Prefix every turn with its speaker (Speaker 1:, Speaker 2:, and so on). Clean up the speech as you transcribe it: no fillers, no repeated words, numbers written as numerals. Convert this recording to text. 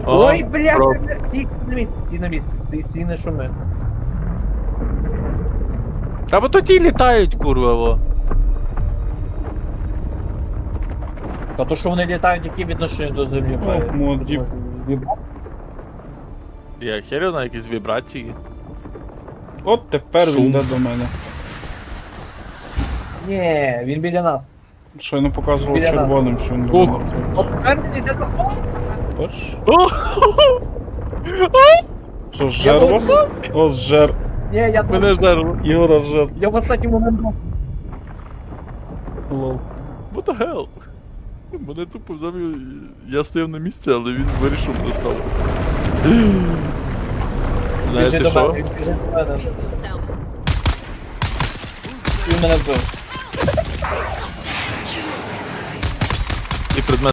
Speaker 1: Ой, бля,
Speaker 2: про-
Speaker 1: стій на місці, стій не шуми.
Speaker 2: Та бо тоді літають, курва, во.
Speaker 1: Та то, що вони літають, які відношення до землі
Speaker 3: О,
Speaker 1: мають?
Speaker 3: модні.
Speaker 1: Може, зібрати?
Speaker 2: Я херю на якісь вібрації.
Speaker 3: От тепер
Speaker 2: Шум.
Speaker 3: він йде до мене.
Speaker 1: Ні, він біля нас.
Speaker 3: Щойно показував
Speaker 1: Біля нас.
Speaker 3: червоним, що він до
Speaker 2: Ох.
Speaker 3: мене.
Speaker 1: От тепер він йде до... О!
Speaker 3: Бач?
Speaker 2: О!
Speaker 3: Що, зжер вас? О, зжер.
Speaker 1: Ні, я
Speaker 2: Мене зерво.
Speaker 3: Ігора зжер.
Speaker 1: Я в останній момент був.
Speaker 3: Лол.
Speaker 2: What the hell? Мене тупо взяв і я стояв на місці, але він вирішив мене став.
Speaker 1: Біжи
Speaker 2: Знаєте
Speaker 1: до
Speaker 2: що?
Speaker 1: мене, біжи до мене.
Speaker 4: Kill yourself.
Speaker 1: Він мене вбив.
Speaker 2: І предмет